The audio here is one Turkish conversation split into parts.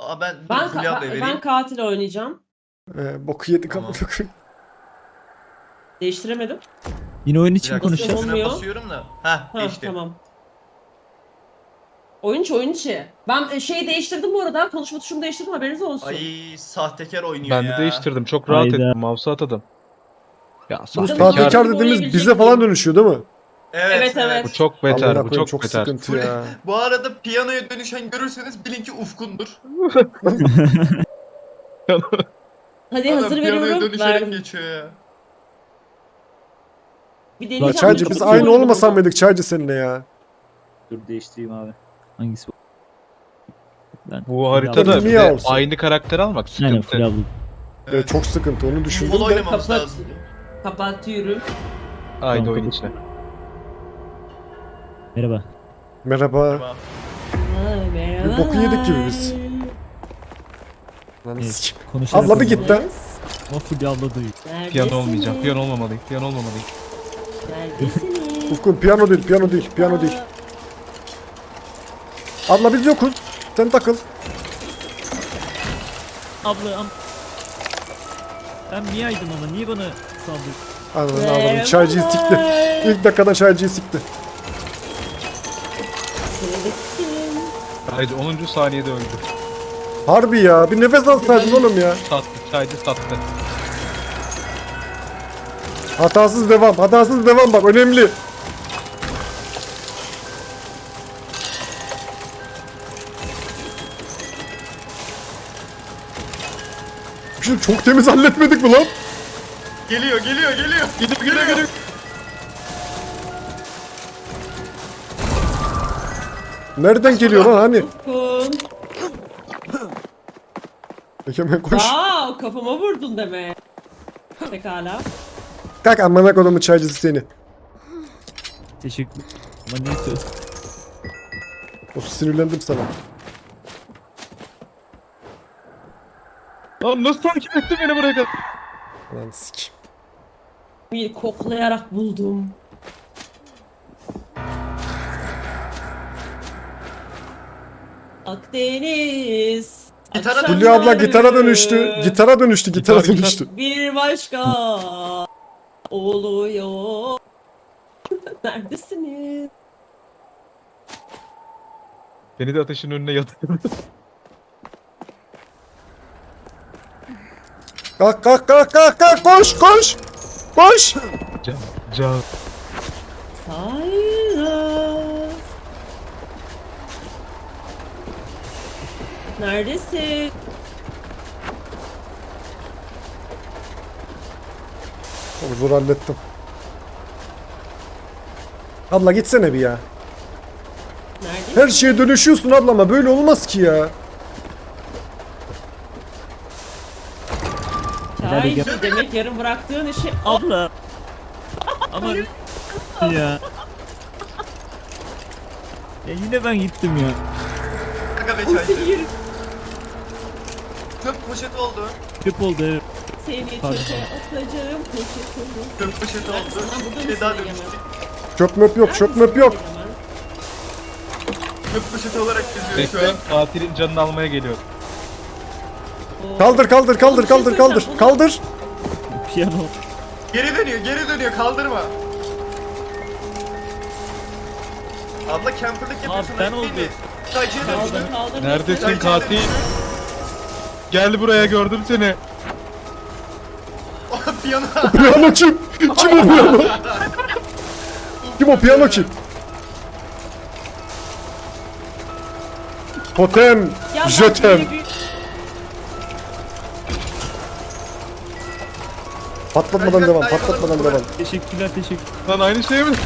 Ben Ben, Fulya ablaya vereyim. ben katil oynayacağım. Boku yedik Tamam. amına koyayım. Değiştiremedim. Yine oyun Bir için dakika, konuşacağız. Olmuyor. üstüne basıyorum da. Heh, Ha geçti. tamam. Oyun içi. Ben şeyi değiştirdim bu arada. Konuşma tuşumu değiştirdim, haberiniz olsun. Ay sahtekar oynuyor Ben ya. de değiştirdim. Çok rahat Hayda. ettim. Mouse'u atadım. Ya Bu sahtekar. Sahtekar Gibi dediğimiz oynayabilecek bize falan miyim? dönüşüyor değil mi? Evet, Evet. Bu çok beter. Amına Bu koyayım, çok beter. sıkıntı ya. Bu arada piyanoya dönüşen görürseniz bilin ki Ufkun'dur. Hadi Adam hazır piyanoya veriyorum. dönüşerek Verdim. geçiyor ya. Bir La deneyeceğim. Çaycı Çok biz iyi aynı oynadım olmasan ama. mıydık Çaycı seninle ya? Dur değiştireyim abi. Hangisi bu? Ben Bu haritada Niye bir de olsun? aynı karakter almak Aynen sıkıntı. Fulya abla. Evet, çok sıkıntı onu düşündüm Futbol de. oynamamız Kapat. lazım. Kapatıyorum. Aynı Tamam, oyun kapat. içi. Merhaba. Merhaba. Tamam. Merhaba. Bir boku yedik gibi biz. Lan Evet, sikeyim. konuşarak Abla bir oynayalım. git de. Ama Fulya abla duyuyor. Piyano olmayacağım. Piyano olmamalıyım. Piyano olmamalıyım. Neredesiniz? Ufkun piyano değil, piyano değil, piyano değil. Abla biz yokuz. Sen takıl. Abla ben Mia'ydım ama niye bana saldırdın? Anladın anladım. Çaycıyı sikti. İlk dakikada çaycıyı sikti. Sıradaki. Haydi 10. saniyede öldü. Harbi ya. Bir nefes alsaydın oğlum ya. Sattı. Çaycı sattı. Hatasız devam. Hatasız devam bak. Önemli. Şimdi çok temiz halletmedik mi lan? Geliyor. Geliyor. Nereden geliyor lan hani? Ufkun. Hemen koş. Aa, kafama vurdun deme. Pekala. Kalk amına kodumun çaycısı seni. Teşekkür. Ama neyse. O sinirlendim sana. Lan nasıl takip etti beni buraya kadar? Lan sikeyim. Bir koklayarak buldum. Akdeniz. Gitara akşamları Fulya abla gitara dönüştü. Gitara dönüştü. Gitara Gitar. dönüştü. Bir başka oluyor. Neredesiniz? Beni de ateşin önüne yatırdı. Kalk kalk kalk kalk kalk koş koş. Koş. Can. Sayra. Neredesin? Çok zor hallettim. Abla gitsene bir ya. Neredesin? Her şeye dönüşüyorsun ablama. Böyle olmaz ki ya. Çay Nerede demek yarım bıraktığın işi. Abla. Ama ya. Ya yine ben gittim ya. Kanka be O çaycı. seni, Çöp poşeti oldu. Köp oldu evet. seni Pardon. çöpe atacağım poşetini. Çöp poşeti oldu. Sen burada Bir mısın daha Egemen? dönüştük. Çöp möp yok, çöp möp yok. Egemen? Çöp poşeti olarak geziyor şu an. Bekle. Katilin canını almaya geliyor. Oo. Kaldır kaldır kaldır kaldır kaldır. Kaldır. Piyano. Geri dönüyor. Kaldırma. Abla camperlık yapıyorsun. ben değil mi? oldum. Çaycıya dönüştü. Kaldır. Neredesin Çaycıya katil? dönüştü. Gel buraya gördüm seni. O piyano. Piyano kim? Kim o piyano? Kim o piyano kim? Totem. Ya bak, Jötem. böyle bir- Patlatmadan devam. Patlatmadan devam. Teşekkürler teşekkür. Lan aynı şey mi?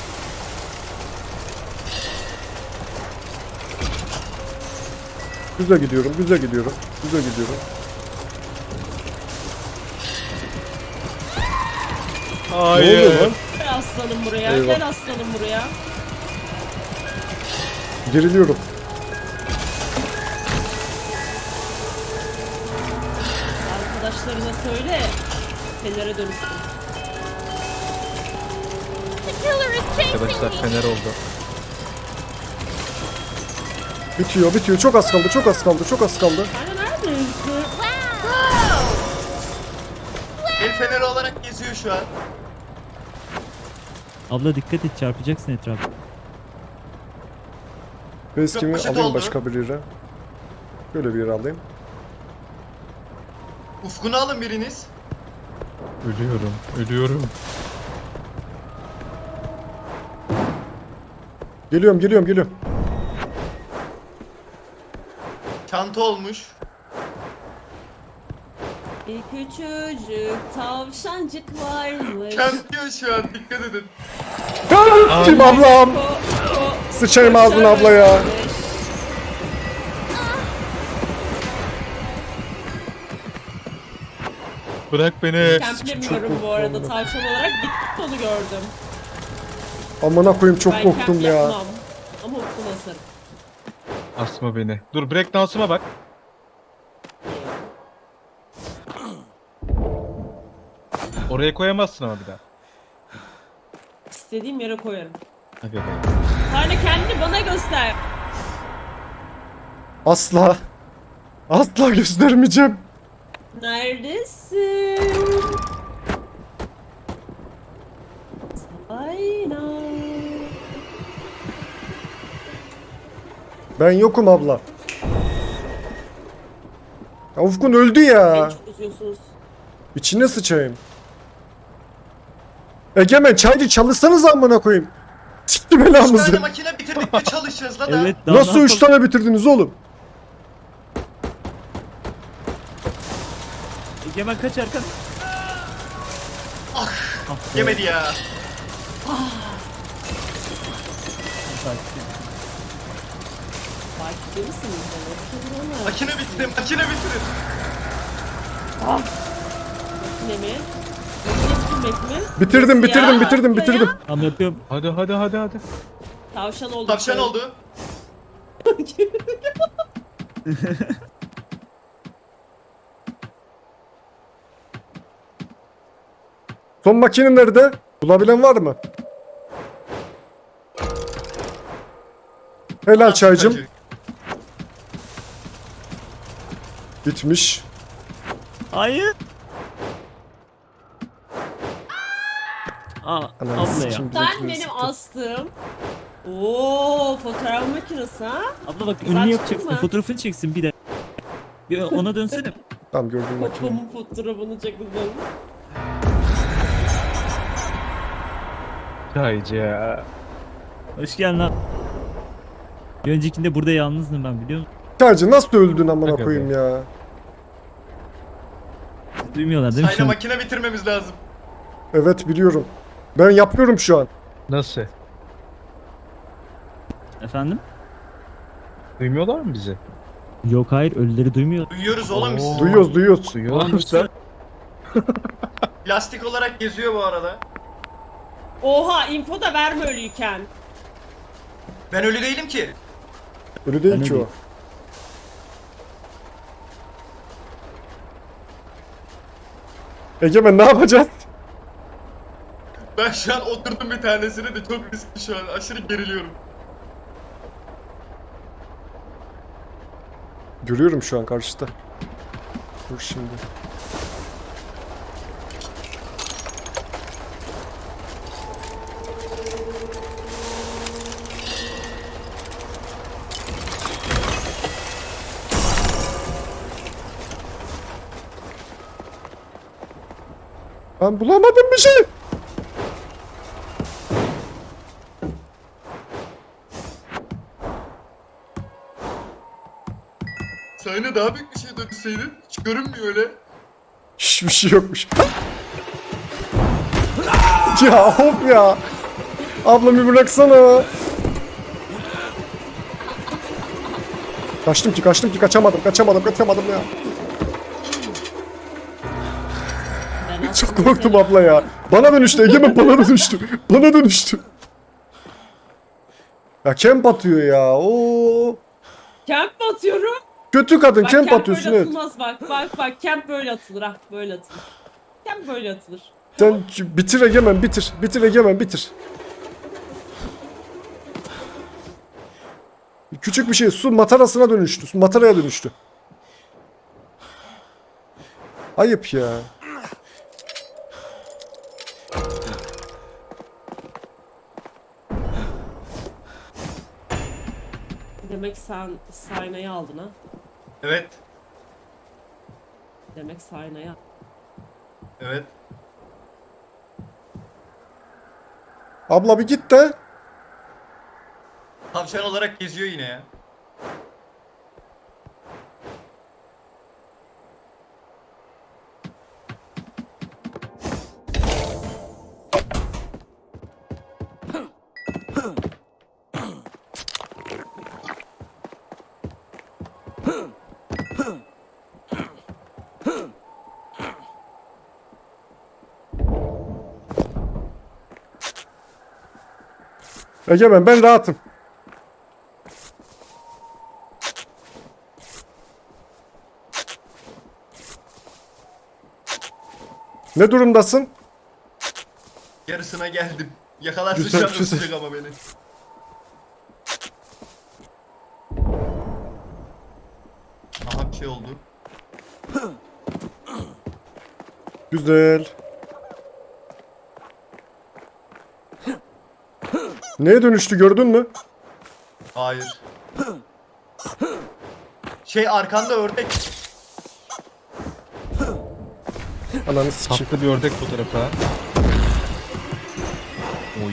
Güzel gidiyorum. Güzel gidiyorum. Güzel gidiyorum. Ne oluyor Hayır. lan? Gel aslanım buraya. Eyvah. Gel aslanım buraya. Geriliyorum. Arkadaşlarına söyle. Fener'e dönüşsün. Arkadaşlar fener oldu. Bitiyor bitiyor. Çok az kaldı çok az kaldı çok az kaldı. Hani neredeyiz? El feneri olarak geziyor şu an. Abla dikkat et, çarpacaksın etrafa. Facecam'i poşet alayım oldu. başka bir yere. Böyle bir yere alayım. Ufkunu alın biriniz. Ölüyorum. Ölüyorum. Geliyorum geliyorum geliyorum. Çanta olmuş. Bir küçücük tavşancık varmış. Kempliyor şu an, dikkat edin. Kim ablam? Sıçayım ağzına abla ya. Bırak beni. Kemplemiyorum bu arada. Tavşan olarak gittik onu gördüm. Amına koyayım çok Ben korktum kemp ya. yapmam. Ama ufkuna asarım. Asma beni. Dur breakdance'ıma bak. Oraya koyamazsın ama bir daha. İstediğim yere koyarım. Hadi be. Hala kendini bana göster. Asla. Asla göstermeyeceğim. Neredesin? Aynen. Ben yokum abla. Ya Ufkun öldü ya. Beni çok üzüyorsunuz. İçine sıçayım. Egemen çaycı çalışsanız amına koyayım. Sikti 3 tane belamızı. makine bitirdik de çalışacağız la da. Evet, daha Nasıl ne 3 yapalım? tane bitirdiniz oğlum? Egemen kaç arkan. Ah, Ah be. yemedi ya. Takipte misiniz? Evet. Makine bitti, makine bitirin. Makine mi? Makine bitirmek mi? Bitirdim Nasıl ya? bitirdim Ya. bitirdim. Tamam yapıyorum. Hadi hadi hadi hadi. Tavşan oldu. Tavşan oldu. Son makine nerede? Bulabilen var mı? Helal çaycım. Bitmiş. Hayır. Aa, Ananı abla ya. sikeyim, Sen bizimkileri benim sikti. astığım. Oo, fotoğraf makinesi ha? Abla bak Saçma ünlü yapacaksın. mı? Fotoğrafını çeksin bir de. Bir ona dönsene. Tamam gördüm makineyi. Popomun fotoğrafını çekildim. Çaycı ya. Hoş geldin lan. Bir öncekinde burada yalnızdım ben, biliyor musun? Çaycı nasıl öldün amına Aga be. koyayım ya? Duymuyorlar değil mi Sayna şimdi? makine bitirmemiz lazım. Evet biliyorum. Ben yapıyorum şu an. Nasıl? Efendim? Duymuyorlar mı bizi? Yok hayır, ölüleri duymuyor. Duyuyoruz oğlum biz. Duyuyoruz duyuyoruz. Duyuyorlar mı sen? Plastik olarak geziyor bu arada. Oha, info da verme ölüyken. Ben ölü değilim ki. Öyle değil Ben ki öyleyim. o. Egemen ne yapacağız? Ben şu an oturdum bir tanesine de çok riskli şu an. Aşırı geriliyorum. Görüyorum şu an karşıda. Dur şimdi. Ben bulamadım bir şey. Sayna daha büyük bir şey dönüşseydin. Hiç görünmüyor öyle. Hiçbir şey yokmuş. Ya hop ya. Abla bir bıraksana. Kaçtım ki kaçamadım ya. Ben Çok aslında korktum seni- abla ya. Bana dönüştü Egemen bana dönüştü. Bana dönüştü. Ya camp atıyor ya. Oo. Camp mi atıyorum? Kötü kadın Bak camp camp atıyorsun böyle evet. atılmaz bak camp böyle atılır ha, böyle atılır. Camp böyle atılır. Sen bitir Egemen bitir. Bitir Egemen bitir. Küçük bir şey. Su matarasına dönüştü. Su mataraya dönüştü. Ayıp ya. Demek sen Sayna'yı aldın ha. Evet. Demek Sayna'yı aldın. Evet. Abla bir git de. Tavşan olarak geziyor yine ya. Egemen ben rahatım. Ne durumdasın? Yarısına geldim. Yakalarsın Güzel, şu an güzel. öpecek ama beni. Aha bir şey oldu. Güzel. Neye dönüştü gördün mü? Hayır. Şey arkanda ördek. Ananı sikeyim. Tatlı bir ördek fotoğrafı ha. Oy.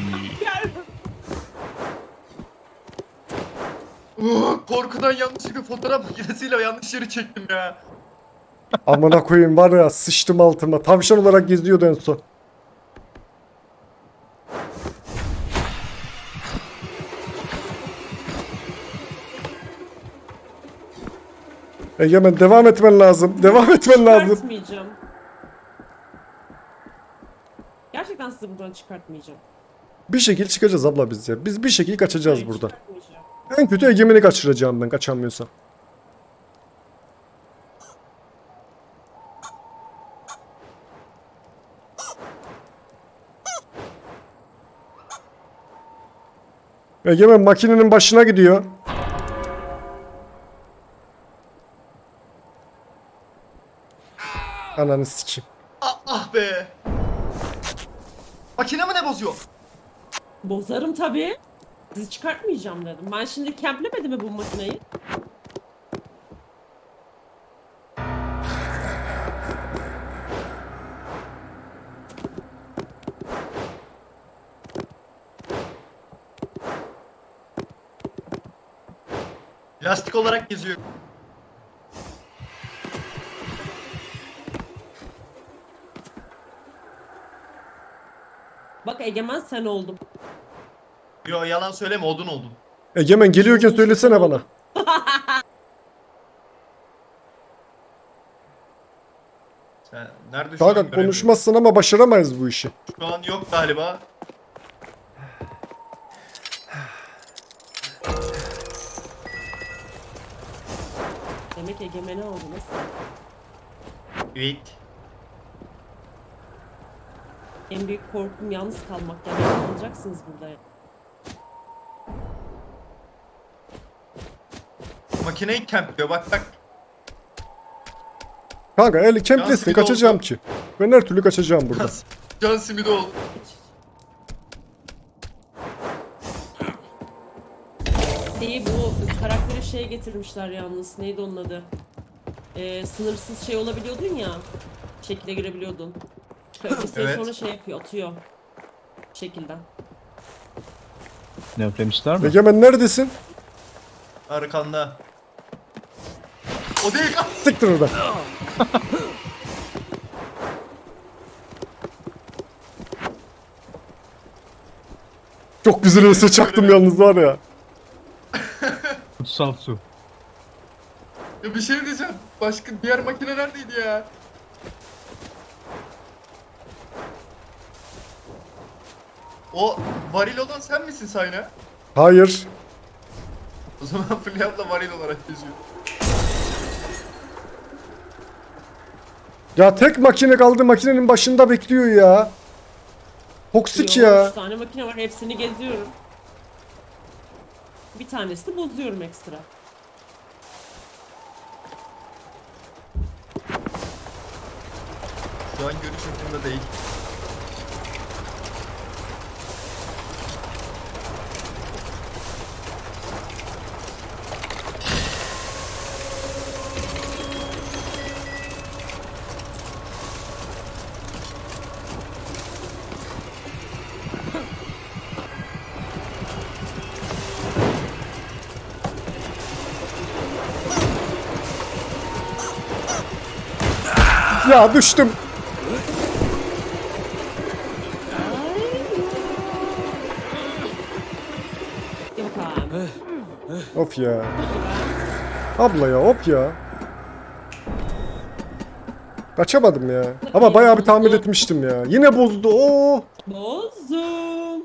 Korkudan yanlışlıkla fotoğraf makinesiyle yanlış yeri çektim ya. Amına koyayım var ya sıçtım altıma. Tavşan olarak geziyordu en son. Egemen devam etmen lazım. Devam etmen lazım. Çıkartmayacağım. Gerçekten sizi buradan çıkartmayacağım. Bir şekil çıkacağız abla biz ya. Biz bir şekil kaçacağız Hayır, buradan. çıkartmayacağım. En kötü Egemen'i kaçıracağım ben kaçamıyorsam. Egemen makinenin başına gidiyor. Ananı sikeyim. Ah, ah be. Makine mi ne bozuyor? Bozarım tabii. Sizi çıkartmayacağım dedim. Ben şimdi kemplemedim mi bu makineyi? Lastik olarak geziyor. Bak Egemen sen oldum. Yo yalan söyleme odun oldun. Egemen geliyorken söylesene bana. Sen nerede şu an Kanka göremiyorum. konuşmazsın ama başaramayız bu işi. Şu an yok galiba. Demek Egemen'i aldınız. Evet. En büyük korkum yalnız kalmak. Yani yalnızcaksınız burada. Makineyi kempliyor bak bak. Kanka eli kemplesin Simidi kaçacağım oldu. ki. Ben her türlü kaçacağım burada. Can simidi oldu. Şeyi bu karakteri şeye getirmişler yalnız. Neydi onun adı? Sınırsız şey olabiliyordun ya. Şekile girebiliyordun. Bir süre Evet. sonra şey yapıyor, atıyor. Şekilden. Ne öplemişler mi? Egemen neredesin? Arkanda. O değil. Ah! Siktir oradan. Çok güzel ese çaktım yalnız var ya. Kutsal su. Ya bir şey diyeceğim. Başka diğer makine neredeydi ya? O varil olan sen misin Sayna? Hayır. O zaman Fulya da varil olarak geziyor. Ya tek makine kaldı makinenin başında bekliyor ya. Toksik Yo, ya. 3 tane makine var, hepsini geziyorum. Bir tanesini bozuyorum ekstra. Şu an görüş ucunda değil. Ya düştüm. Yok abi. Of ya. Abla ya hop ya. Kaçamadım ya. Ama bayağı bir tahmin etmiştim ya. Yine bozdu. Oo. Bozdum.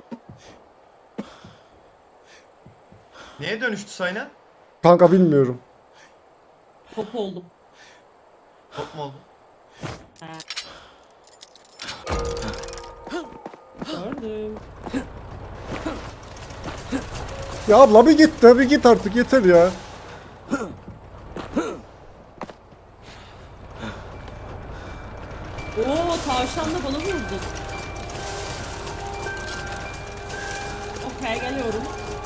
Neye dönüştü Sayna? Kanka bilmiyorum. Top oldum. Top mu oldu? Gördüm. Ya abla bir git de bir git artık yeter ya. Oo tavşan da bana vurdu. Okey geliyorum.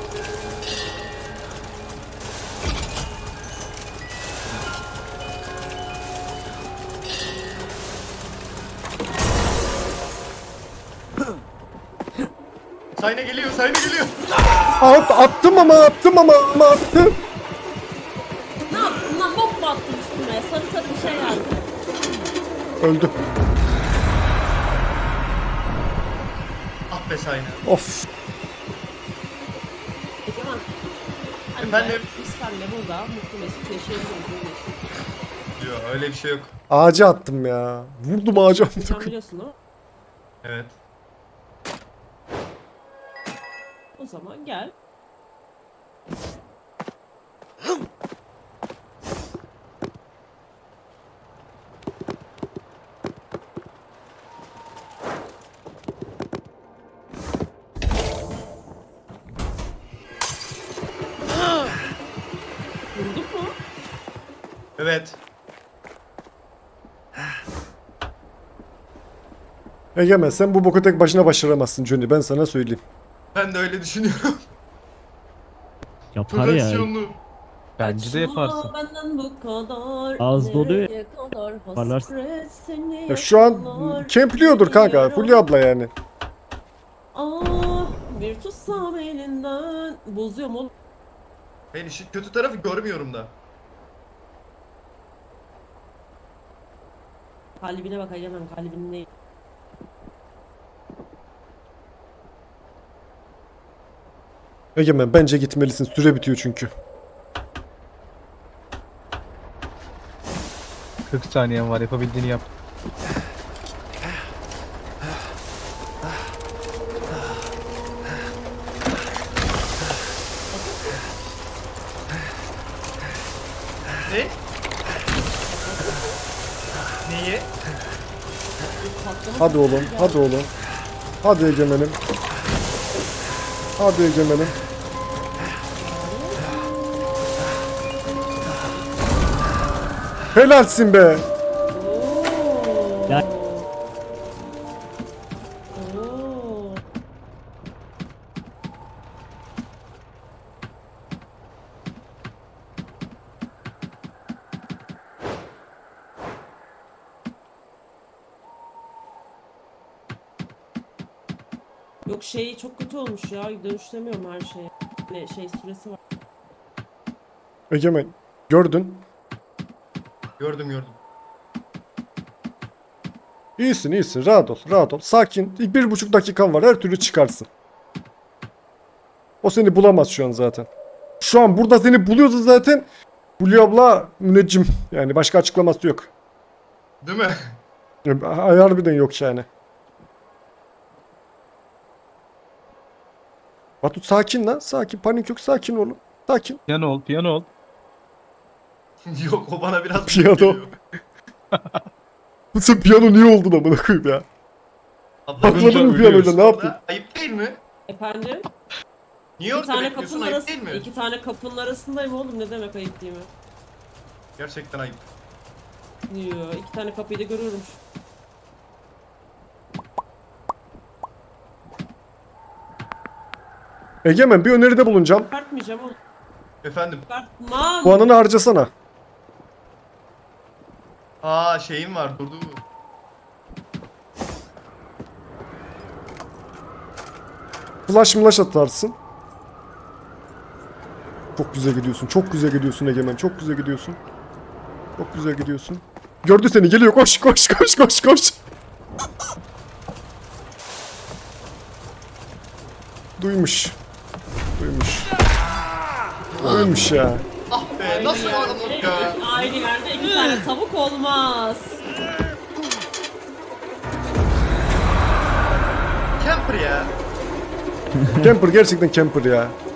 Sayna geliyor, Sayna geliyor. Attım ama attım ama attım. Ne yaptın lan? Bok mu attın üstüme? Sarı sarı bir şey geldi. Öldü. Ah be Sayna. Of. Egemen. Hadi Efendim? be, biz seninle burada mutlu mesut yaşayabiliriz. Yok öyle bir şey yok. Ağaca attım ya. Vurdum ağaca. Sen biliyorsun değil mi? Evet. O zaman gel. Vurduk mu? Evet. Egemen sen bu boku tek başına başaramazsın Johnny. Ben sana söyleyeyim. Ben de öyle düşünüyorum. Yapar ya. Profesyonlu. Bence de yaparsın. Aa, benden bu kadar. Ağız doluyor. Nereye kadar Yaparlarsın. hasret seni Ya şu an yakalar, kempliyordur kanka. biliyorum. Fulya abla yani. Ah bir tutsam elinden. Bozuyorum oğlum. Ben işin kötü tarafı görmüyorum da. Kalbine bak Egemen, kalbinin değil. Egemen bence gitmelisin. Süre bitiyor çünkü. 40 saniyen var, yapabildiğini yap. Ne? Neyi? Patlama Hadi sesi oğlum. geldi. Hadi oğlum. Hadi Egemen'im. Hadi Egemen'im. Helalsin be. Oo. Ya- Oo. Yok şey çok kötü olmuş ya. Dönüşlemiyorum her şeye. Ne şey süresi var. Egemen gördün. Gördüm gördüm. İyisin iyisin. Rahat ol. Rahat ol. Sakin. 1,5 dakikan var. Her türlü çıkarsın. O seni bulamaz şu an zaten. Şu an burada seni buluyorsa zaten Fulya abla müneccim. Yani başka açıklaması yok. Değil mi? Harbiden yok yani. Batu sakin lan. Sakin. Panik yok. Sakin olun. Sakin. Piyano ol, piyano ol. Yok o bana biraz Piyano. geliyor. Sen piyano niye oldun amına koyayım ya? Abla, Patladın mı ölüyoruz. piyanoyla, ne yaptın? Ayıp değil mi? Efendim? Niye Bir orada tane bekliyorsun? kapının Ayıp arası, değil mi? iki tane kapının arasındayım oğlum, ne demek ayıp değil mi? Gerçekten ayıp. Yo, iki tane kapıyı da görüyorum. Egemen bir öneride bulunacağım. Çıkartmayacağım oğlum. Efendim. Çıkartmam. Puanını harcasana. Aa şeyim var durdu. Flash atarsın. Çok güzel gidiyorsun. Çok güzel gidiyorsun Egemen. Çok güzel gidiyorsun. Çok güzel gidiyorsun. Gördü seni. Geliyor. Koş koş koş koş koş. Duymuş. Duymuş. Duymuş ya. Ah be nasıl anladık ya? Aynı yerde iki tane tavuk olmaz. Camper ya. Camper gerçekten camper ya.